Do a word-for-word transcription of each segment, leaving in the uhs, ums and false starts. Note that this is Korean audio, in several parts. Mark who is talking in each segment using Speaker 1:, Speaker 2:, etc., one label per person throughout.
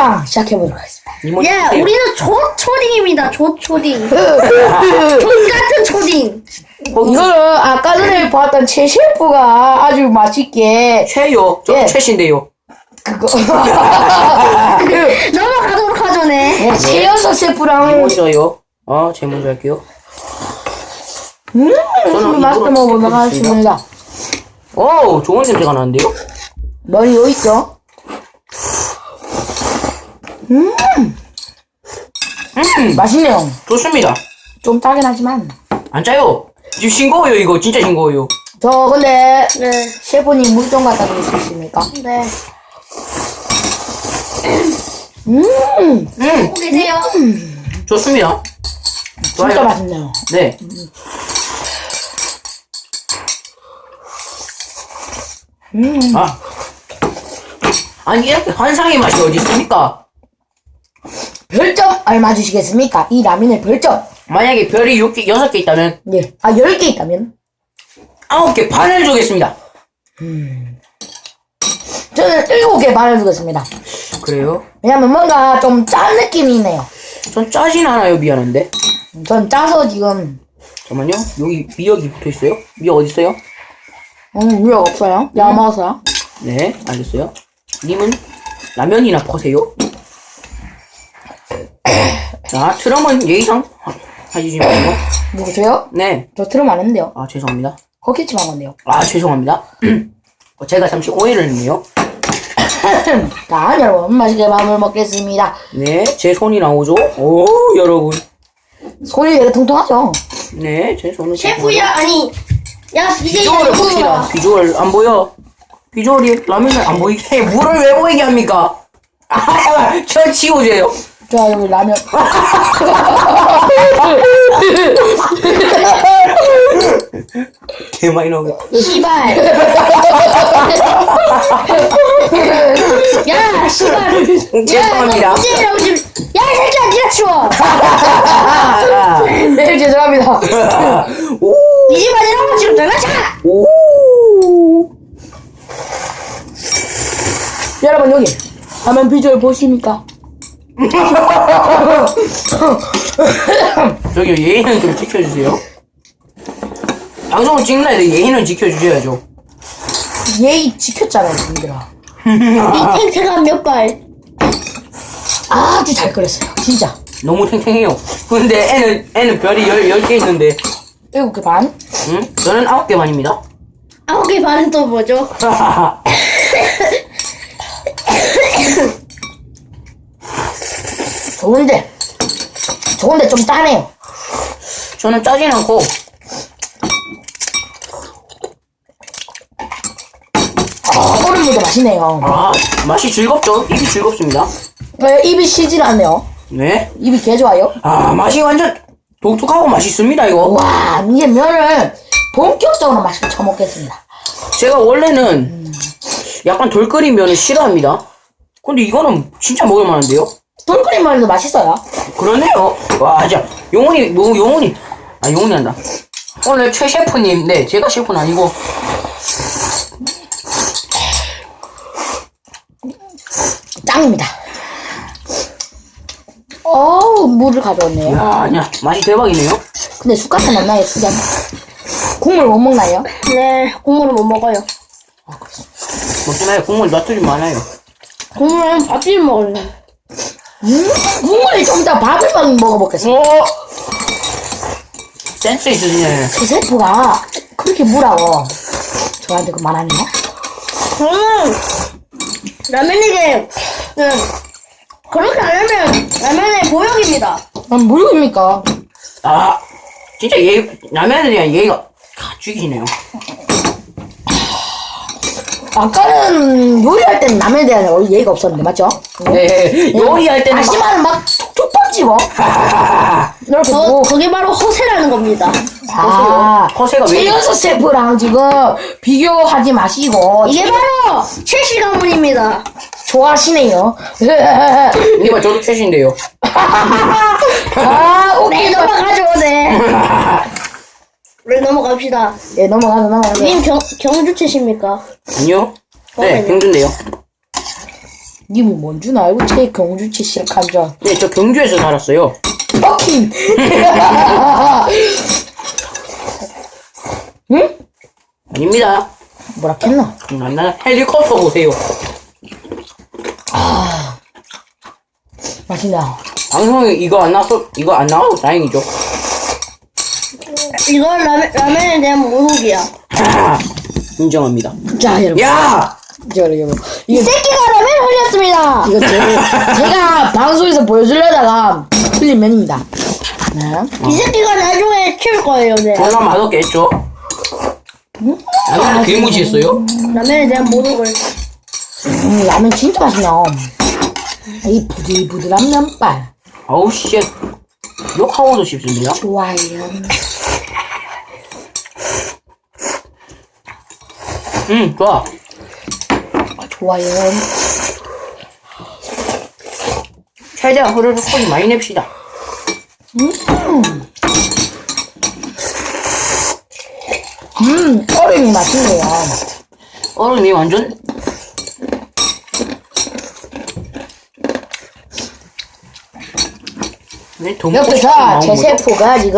Speaker 1: 먹방 시작해보도록 하겠습니다.
Speaker 2: 이모
Speaker 3: 예,
Speaker 2: 주세요.
Speaker 3: 우리는 조 초딩입니다. 조 초딩. 돈 같은 초딩.
Speaker 1: 이거는 아까 전에 봤던 최 셰프가 아주 맛있게
Speaker 2: 최요. 저
Speaker 1: 예.
Speaker 2: 최신데요.
Speaker 1: 그거
Speaker 3: 넘어가도록 하죠, 네.
Speaker 1: 네, 최연석 셰프랑
Speaker 2: 먼저요. 아, 제 먼저 할게요.
Speaker 1: 음,
Speaker 2: 저는
Speaker 1: 맛있게
Speaker 2: 입으로
Speaker 1: 먹어보도록
Speaker 2: 튀겨보겠습니다.
Speaker 1: 하겠습니다.
Speaker 2: 오, 좋은 냄새가 나는데요?
Speaker 1: 머리 여기 있죠? 음,
Speaker 2: 음,
Speaker 1: 맛있네요.
Speaker 2: 좋습니다.
Speaker 1: 좀 짜긴 하지만.
Speaker 2: 안 짜요. 지금 싱거워요, 이거. 진짜 싱거워요.
Speaker 1: 저 근데
Speaker 3: 네.
Speaker 1: 셰프님 물 좀 갖다 드릴 수 있습니까?
Speaker 3: 네.
Speaker 1: 음,
Speaker 2: 음,
Speaker 3: 보고 계세요.
Speaker 2: 좋습니다.
Speaker 1: 진짜
Speaker 2: 좋아요.
Speaker 1: 맛있네요.
Speaker 2: 네.
Speaker 1: 음,
Speaker 2: 아. 아니, 이렇게 환상의 맛이 어디 있습니까?
Speaker 1: 별점 얼마 주시겠습니까? 이 라면의 별점.
Speaker 2: 만약에 별이 육 개, 여섯 개 있다면,
Speaker 1: 예. 아, 열 개 있다면?
Speaker 2: 아홉 개 반을 주겠습니다.
Speaker 1: 저는 일곱 개 반을 주겠습니다.
Speaker 2: 그래요?
Speaker 1: 왜냐면 뭔가 좀 짠 느낌이 있네요.
Speaker 2: 전 짜진 않아요, 미안한데.
Speaker 1: 전 짜서 지금,
Speaker 2: 잠깐만요. 여기 미역이 붙어 있어요? 미역 어디 있어요?
Speaker 1: 음, 위력 없어요. 야, 먹었어요.
Speaker 2: 네, 알겠어요. 님은 라면이나 퍼세요. 자, 트럼은 예의상 하- 해주지 말고.
Speaker 1: 누구세요?
Speaker 2: 네.
Speaker 1: 저 트름 안 했는데요.
Speaker 2: 아, 죄송합니다.
Speaker 1: 거기치만 건데요.
Speaker 2: 아, 죄송합니다. 어, 제가 잠시 오해를 했네요.
Speaker 1: 자, 여러분, 맛있게 밥을 먹겠습니다.
Speaker 2: 네, 제 손이 나오죠? 오, 여러분.
Speaker 1: 손이 되게 통통하죠?
Speaker 2: 네, 제 손은.
Speaker 3: 셰프야, 아니. 야, 비제이가
Speaker 2: 비주얼을
Speaker 3: 이거
Speaker 2: 봅시다.
Speaker 3: 봐.
Speaker 2: 비주얼 안 보여? 비주얼이 라면을 안 보이게 해. 물을 왜 보이게 합니까? 아, 잠깐만. 저 치워줘요.
Speaker 1: 자, 여기 라면.
Speaker 2: 개 많이 나오겠다.
Speaker 3: 씨발. 야, 씨발.
Speaker 2: 음, 죄송합니다.
Speaker 3: 비제이라고 지금. 야, 이 새끼야, 니가 치워.
Speaker 1: 네, 죄송합니다.
Speaker 2: 오,
Speaker 3: 비제이 아니라고 지금 장난쳐.
Speaker 2: 오.
Speaker 1: 여러분, 여기. 라면 비주얼 보십니까?
Speaker 2: 저기 예의는 좀 지켜주세요. 방송을 찍는 애들 예의는 지켜주셔야죠.
Speaker 1: 예의 지켰잖아요, 님들아.
Speaker 3: 이 탱탱한 몇 발.
Speaker 1: 아주 잘 끓였어요. 진짜.
Speaker 2: 너무 탱탱해요. 근데 애는 애는 별이 열, 열 개 있는데,
Speaker 1: 일곱 개 반.
Speaker 2: 응? 저는 아홉 개 반입니다.
Speaker 3: 아홉 개 반은 또 뭐죠?
Speaker 1: 좋은데. 좋은데 좀 짜네요.
Speaker 2: 저는 짜진 않고,
Speaker 1: 아, 얼음물도 맛있네요.
Speaker 2: 아, 맛이 즐겁죠? 입이 즐겁습니다.
Speaker 1: 네, 입이 쉬질 않네요.
Speaker 2: 네.
Speaker 1: 입이 개 좋아요.
Speaker 2: 아, 맛이 완전 독특하고 맛있습니다, 이거.
Speaker 1: 와, 이제 면을 본격적으로 맛있게 쳐먹겠습니다.
Speaker 2: 제가 원래는 약간 돌끓인 면을 싫어합니다. 근데 이거는 진짜 먹을만한데요?
Speaker 1: 돌끓인 면도 맛있어요.
Speaker 2: 그러네요. 와, 진짜 용훈이, 뭐, 용훈이, 아, 용훈이 한다. 오늘 최 셰프님, 네, 제가 셰프는 아니고,
Speaker 1: 짱입니다. 어우, 물을 가져왔네요.
Speaker 2: 이야, 아니야, 맛이 대박이네요.
Speaker 1: 근데 숟가락 안 나요, 수잔. 국물 못 먹나요?
Speaker 3: 네, 국물을 못 먹어요.
Speaker 2: 먹지 마요. 국물 놔두지 많아요.
Speaker 3: 국물은 밥집 먹을래.
Speaker 1: 음, 국물이 좀 이따 밥을 막 먹어보겠습니다.
Speaker 2: 오! 센스 있으시네.
Speaker 1: 그 셰프가 그렇게 뭐라고 저한테 그 말하네요?
Speaker 3: 저는 라면이게 네, 그렇게 안 하면 라면의 보역입니다.
Speaker 1: 아, 뭐입니까?
Speaker 2: 아, 진짜 예, 라면에 대한 예의가 다 죽이시네요.
Speaker 1: 아까는 요리할 때는 남에 대한 예의가 없었는데, 맞죠?
Speaker 2: 네, 요리할 때는 막,
Speaker 1: 다시마는 막 툭툭 던지고 이렇게
Speaker 3: 저,
Speaker 1: 뭐
Speaker 3: 그게 바로 허세라는 겁니다.
Speaker 1: 아,
Speaker 2: 허세가 왜
Speaker 1: 최연소 셰프랑 지금 비교하지 마시고
Speaker 3: 이게 바로 최씨 가문입니다.
Speaker 1: 좋아하시네요.
Speaker 2: 이봐, 저도 최신데요.
Speaker 1: 아,
Speaker 3: 네,
Speaker 1: 오케이.
Speaker 3: 넘어가죠, 네. 네, 넘어갑시다.
Speaker 1: 예, 넘어가서 넘어가서.
Speaker 3: 님 경, 경주 최씨입니까?
Speaker 2: 아니요? 네,
Speaker 3: 그러면요.
Speaker 2: 경주인데요.
Speaker 1: 님은 뭔 줄 알고 제 경주치 시작한 줄.
Speaker 2: 네, 저 경주에서 살았어요.
Speaker 1: 버킨. 응?
Speaker 2: 아닙니다.
Speaker 1: 뭐라 했나?
Speaker 2: 음, 나 헬리콥터 보세요.
Speaker 1: 아, 맛있나?
Speaker 2: 방송에 이거 안 나와서, 이거 안 나와서 다행이죠.
Speaker 3: 이건 라면, 라면에 대한 모독이야.
Speaker 2: 아, 인정합니다.
Speaker 1: 자, 여러분.
Speaker 2: 야!
Speaker 1: 자, 여러분.
Speaker 3: 이
Speaker 1: 이거,
Speaker 3: 새끼가 라면 흘렸습니다.
Speaker 1: 이거 제, 제가 방송에서 보여주려다가 틀린 면입니다. 네.
Speaker 3: 이 새끼가 나중에 키울 거예요, 네.
Speaker 2: 졸라 맛없겠죠? 라면 괴무지했어요?
Speaker 3: 라면에 대한 모독을.
Speaker 1: 음, 라면 진짜 맛있네요. 이 부들부들한 면발.
Speaker 2: 아우, 씨. 욕하고도 싶습니다.
Speaker 1: 좋아요.
Speaker 2: 음, 좋아.
Speaker 1: 좋아요.
Speaker 2: 최대한 흐르르 소리 많이 냅시다.
Speaker 1: 음. 음, 얼음이 맛있네요.
Speaker 2: 얼음이 완전 네,
Speaker 1: 옆에서 제 셰프가 지금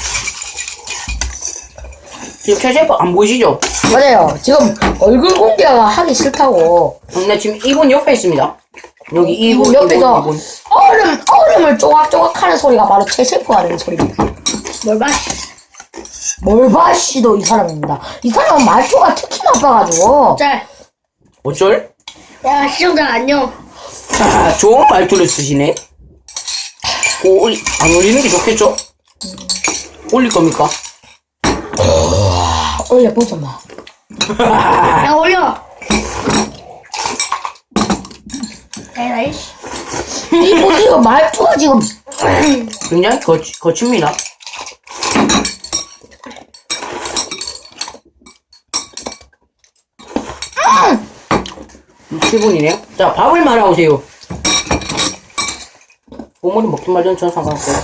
Speaker 2: 지금 최 셰프 안 보이시죠?
Speaker 1: 맞아요. 지금 얼굴 공개가 하기 싫다고.
Speaker 2: 음, 네, 지금 이분 옆에 있습니다. 여기 이분,
Speaker 1: 옆에서
Speaker 2: 이분, 이분.
Speaker 1: 얼음 얼음을 쪼각쪼각 하는 소리가 바로 제 셰프가 하는 소리입니다.
Speaker 3: 뭘 봐.
Speaker 1: 몰바씨도 이 사람입니다. 이 사람은 말투가 특히 나빠가지고.
Speaker 3: 짤.
Speaker 2: 어쩔?
Speaker 3: 야, 시청자 안녕.
Speaker 2: 아, 좋은 말투를 쓰시네. 오, 올리, 안 올리는 게 좋겠죠? 올릴 겁니까?
Speaker 1: 올려보자 마.
Speaker 3: 야, 올려. 에라이.
Speaker 1: 이분 지금 말투가 지금
Speaker 2: 굉장히 거치, 거칩니다. 칠 분이네요. 자, 밥을 말아오세요. 보물이 먹든 말든 전 상관없어요.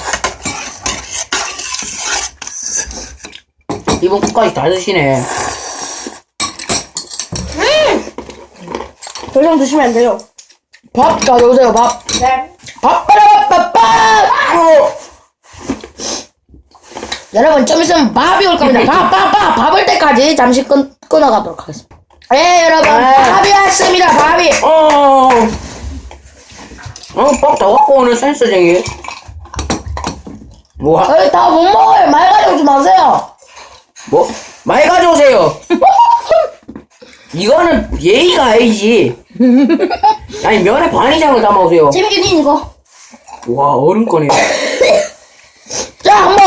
Speaker 2: 이번 끝까지 다 드시네.
Speaker 3: 더 이상 드시면 안 돼요.
Speaker 1: 밥 가져오세요. 밥.
Speaker 3: 네.
Speaker 1: 밥 빨아 밥 밥. 여러분 좀 있으면 밥이 올 겁니다. 밥 밥 밥. 밥 올 때까지 잠시 끊 끊어가도록 하겠습니다. 네 여러분 밥이 왔습니다. 밥이.
Speaker 2: 어, 어, 밥 다 갖고 오는 센스쟁이. 뭐, 하-
Speaker 1: 저희 다 못 먹어요. 말 가져오지 마세요.
Speaker 2: 뭐, 말 가져오세요. 이거는 예의가 아니지. 아니, 면에 반 이상을 담아오세요.
Speaker 3: 재밌겠니, 이거?
Speaker 2: 와, 얼음 꺼네.
Speaker 1: 자 한번.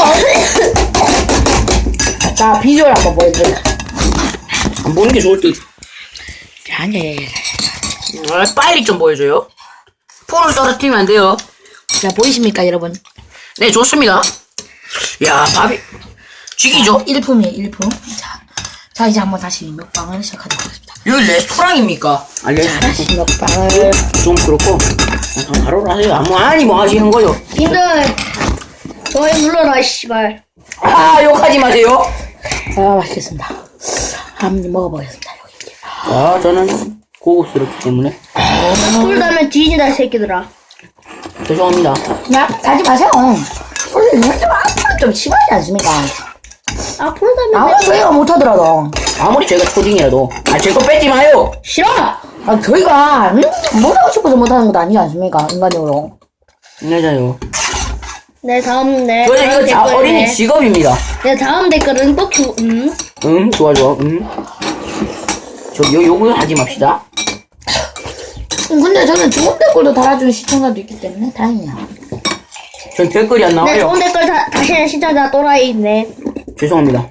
Speaker 1: 자 비주얼 한번 보여드릴게요.
Speaker 2: 안 보는 게 좋을 듯.
Speaker 1: 아니.
Speaker 2: 아, 빨리 좀 보여줘요. 풀을 떨어뜨리면 안 돼요.
Speaker 1: 자 보이십니까 여러분?
Speaker 2: 네, 좋습니다. 야, 밥이 죽이죠?
Speaker 1: 일품이에요 일품. 자, 자 이제 한번 다시 먹방을 시작하도록 하겠습니다.
Speaker 2: 여기 레스토랑입니까? 아, 레스토랑.
Speaker 1: 다시 먹방을.
Speaker 2: 좀 그렇고. 아, 바로 하세요. 아무 아니 뭐 하시는 거요?
Speaker 3: 님들, 저희 눌러라, 씨발.
Speaker 2: 아, 욕하지 마세요.
Speaker 1: 아 맛있겠습니다. 한번 먹어보겠습니다 여기.
Speaker 2: 아, 저는 고급스럽기 때문에
Speaker 3: 술 다면 뒤진다, 이 새끼들아.
Speaker 2: 죄송합니다.
Speaker 1: 야 가지 마세요. 원래 이런 좀 앞으로 좀 심하지 않습니까?
Speaker 3: 아, 풀 다면
Speaker 1: 아무리 저희가 못하더라도.
Speaker 2: 아무리 제가 초딩이라도 아, 제 거 뺏지 마요.
Speaker 3: 싫어!
Speaker 1: 아 저희가 음, 못하고 싶어서 못하는 것도 아니지 않습니까? 인간적으로.
Speaker 2: 맞아요.
Speaker 3: 네, 다음, 네.
Speaker 2: 저는
Speaker 3: 다음
Speaker 2: 이거 자,
Speaker 3: 댓글,
Speaker 2: 어린이
Speaker 3: 네.
Speaker 2: 직업입니다.
Speaker 3: 네, 다음 댓글은 또 큐, 음.
Speaker 2: 응, 좋아, 좋아, 응. 저, 요, 요거 하지 맙시다.
Speaker 1: 음, 근데 저는 좋은 댓글도 달아주는 시청자도 있기 때문에 다행이야.
Speaker 2: 전 댓글이 안
Speaker 3: 네,
Speaker 2: 나와요.
Speaker 3: 좋은 댓글 다, 다시는 시청자 또라이, 네.
Speaker 2: 죄송합니다.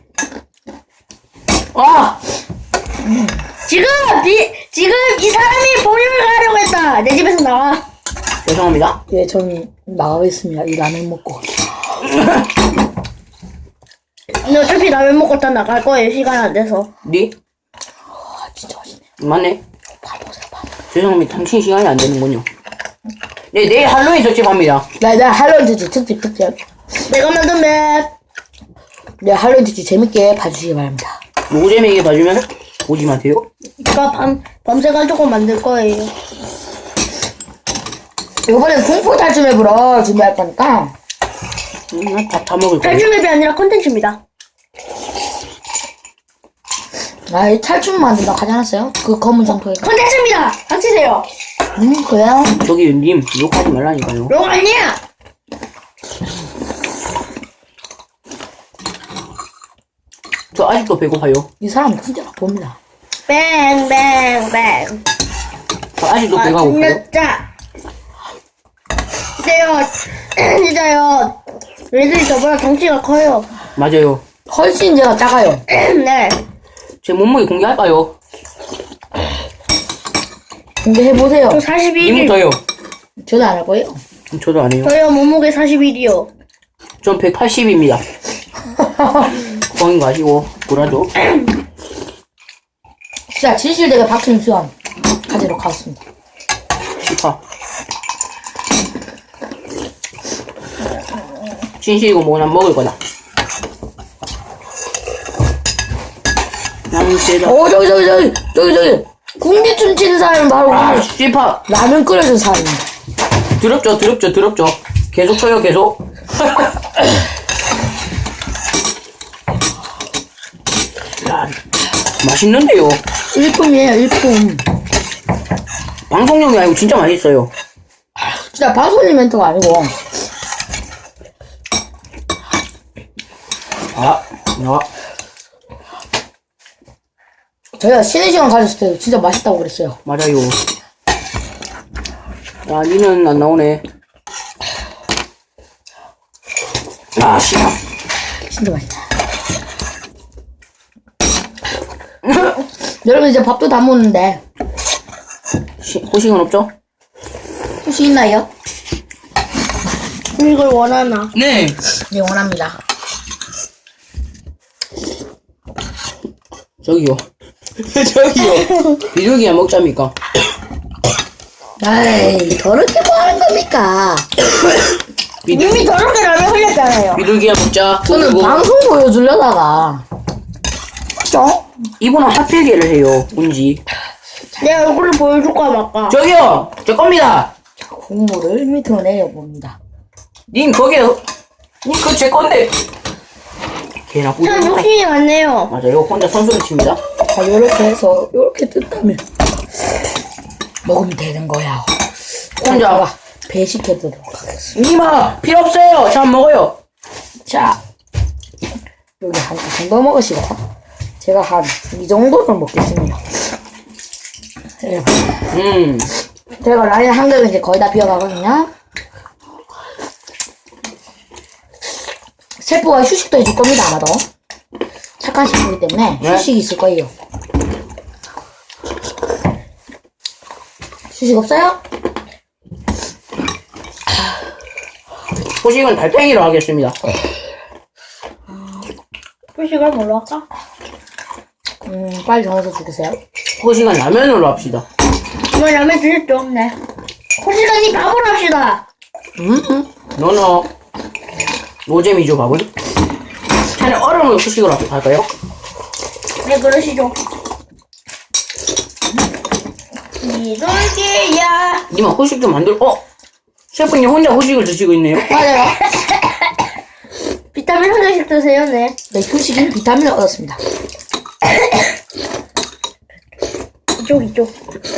Speaker 2: 아!
Speaker 3: 지금, 이, 지금 이 사람이 본인을 가려고 했다. 내 집에서 나와.
Speaker 2: 죄송합니다.
Speaker 1: 예, 저는 나가겠습니다. 이 라면 먹고.
Speaker 3: 근데 어차피 라면 먹고 다 나갈 거예요. 시간 안 돼서.
Speaker 2: 니?
Speaker 1: 아 진짜 맛있네.
Speaker 2: 맞네.
Speaker 1: 밥 보세요, 밥.
Speaker 2: 죄송합니다. 당신 시간이 안 되는군요. 네, 내일 할로윈 특집합니다.
Speaker 1: 네, 네 할로윈 특집 특집 특집.
Speaker 3: 내가 만든 맵.
Speaker 1: 네, 할로윈 특집 재밌게 봐주시기 바랍니다.
Speaker 2: 노잼에게 봐주면 오지 마세요.
Speaker 3: 제가 밤, 밤새 가지고 만들 거예요.
Speaker 1: 이번엔 공포 탈출 맵으로 준비할 거니까.
Speaker 2: 음, 밥다 먹을 거예요.
Speaker 3: 탈출맵이 아니라 컨텐츠입니다.
Speaker 1: 아, 이 탈출 만든다 하지 않았어요? 그 검은 점토에.
Speaker 3: 컨텐츠입니다. 닥치세요.
Speaker 1: 음, 그래요?
Speaker 2: 저기 님 욕하지 말라니까요.
Speaker 3: 롱 아니야.
Speaker 2: 저 아직도 배고파요.
Speaker 1: 이 사람 진짜 봅니다.
Speaker 3: 뱅뱅뱅.
Speaker 2: 저 아직도
Speaker 3: 아,
Speaker 2: 배가 고파요.
Speaker 3: 진짜. 진짜요. 진짜요. 얘들이 저보다 덩치가 커요.
Speaker 2: 맞아요.
Speaker 1: 훨씬 제가 작아요.
Speaker 3: 네.
Speaker 2: 제 몸무게 공개할까요?
Speaker 1: 공개해보세요.
Speaker 3: 저 사십일 일.
Speaker 2: 님부터요.
Speaker 1: 저도 안 할 거예요.
Speaker 2: 저도 안 해요.
Speaker 3: 저요 몸무게 사십일이요.
Speaker 2: 전 백팔십입니다. 뻥인 거 아시고 뭐라죠?
Speaker 1: 진짜 진실되게 박힌 수염 가지러 가겠습니다.
Speaker 2: 시파. 진실이고 뭐나 먹을 거다. 나는 세다.
Speaker 1: 오, 저기, 저기, 저기, 저기, 저기. 군기춤 치는 사람은 바로
Speaker 2: 아,
Speaker 1: 오늘
Speaker 2: 시파.
Speaker 1: 라면 끓여준 사람입니다.
Speaker 2: 더럽죠, 더럽죠, 더럽죠. 계속 쳐요, 계속. 야, 맛있는데요.
Speaker 1: 일품이에요, 일품.
Speaker 2: 방송용이 아니고 진짜 맛있어요.
Speaker 1: 진짜 바소니 멘트가 아니고.
Speaker 2: 아, 아,
Speaker 1: 저희가 쉬는 시간 가졌을 때도 진짜 맛있다고 그랬어요.
Speaker 2: 맞아요. 야, 니는 안 나오네. 아, 씨발.
Speaker 1: 진짜 맛있다. 여러분 이제 밥도 다 먹는데
Speaker 2: 시, 호식은 없죠?
Speaker 1: 혹시 있나요?
Speaker 3: 이걸 원하나?
Speaker 2: 네.
Speaker 1: 네, 원합니다.
Speaker 2: 저기요. 저기요. 비둘기야 먹자니까.
Speaker 1: 아이, 더럽게 뭐 하는 겁니까?
Speaker 2: 비둘,
Speaker 3: 이미 더럽게 라면 흘렸잖아요.
Speaker 2: 비둘기야 먹자.
Speaker 1: 저는
Speaker 2: 그리고
Speaker 1: 방송 보여주려다가. 그죠?
Speaker 2: 이분은 하필계를 해요. 운지.
Speaker 3: 내 얼굴을 보여줄까 말까?
Speaker 2: 저기요. 제 겁니다.
Speaker 1: 국물을 밑으로 내려봅니다.
Speaker 2: 님 거기에 님 그거 제 건데. 개나
Speaker 3: 참
Speaker 2: 뿌리.
Speaker 3: 욕심이 많네요.
Speaker 2: 맞아요. 혼자 선수를 칩니다.
Speaker 1: 자, 요렇게 해서 요렇게 뜯다면 먹으면 되는 거야.
Speaker 2: 혼자.
Speaker 1: 제가 배식해보도록 하겠습니다.
Speaker 2: 님아 필요 없어요. 저 안 먹어요.
Speaker 1: 자, 여기 한 이 정도 먹으시고 제가 한 이 정도는 먹겠습니다. 네.
Speaker 2: 음.
Speaker 1: 제가 라인 한 개는 이제 거의 다 비어가거든요. 셰프가 휴식도 해줄 겁니다, 아마도. 착한 셰프이기 때문에
Speaker 2: 네?
Speaker 1: 휴식이 있을 거예요. 휴식 없어요?
Speaker 2: 호식은 달팽이로 하겠습니다.
Speaker 3: 표시가 뭘로 할까?
Speaker 1: 음, 빨리 정해서 주세요.
Speaker 2: 호식은 라면으로 합시다.
Speaker 3: 이거 라면 드셨죠? 네. 호시간이 밥을 합시다.
Speaker 1: 음, 음.
Speaker 2: 너너 노잼이죠 밥은? 차라리 얼음을 후식으로 할까요?
Speaker 3: 네, 그러시죠. 이돌기야.
Speaker 2: 님아 후식 좀 만들. 어? 셰프님 혼자 후식을 드시고 있네요.
Speaker 1: 맞아요.
Speaker 3: 비타민 한 개씩 드세요, 네.
Speaker 1: 네, 휴식인 비타민을 얻었습니다.
Speaker 3: 이쪽, 이쪽.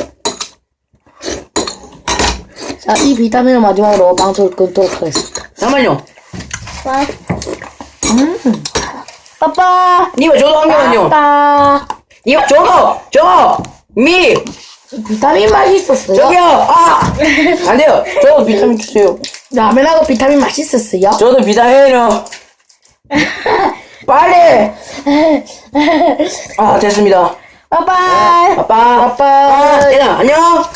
Speaker 1: 자, 이 비타민을 마지막으로 방송을 끊도록 하겠습니다.
Speaker 2: 잠깐만요.
Speaker 3: 와.
Speaker 1: 음,
Speaker 3: 빠빠.
Speaker 2: 님아 저도 한 개만요.
Speaker 1: 딱.
Speaker 2: 님아 저도 저거 미
Speaker 1: 비타민 맛있었어요.
Speaker 2: 저기요. 아! 안 돼요. 저도 비타민 주세요.
Speaker 1: 라면하고 비타민 맛있었어요.
Speaker 2: 저도 비타민이요. 빨리. 아 됐습니다.
Speaker 3: 빠빠.
Speaker 2: 아빠.
Speaker 1: 아빠.
Speaker 2: 아, 얘들아 안녕.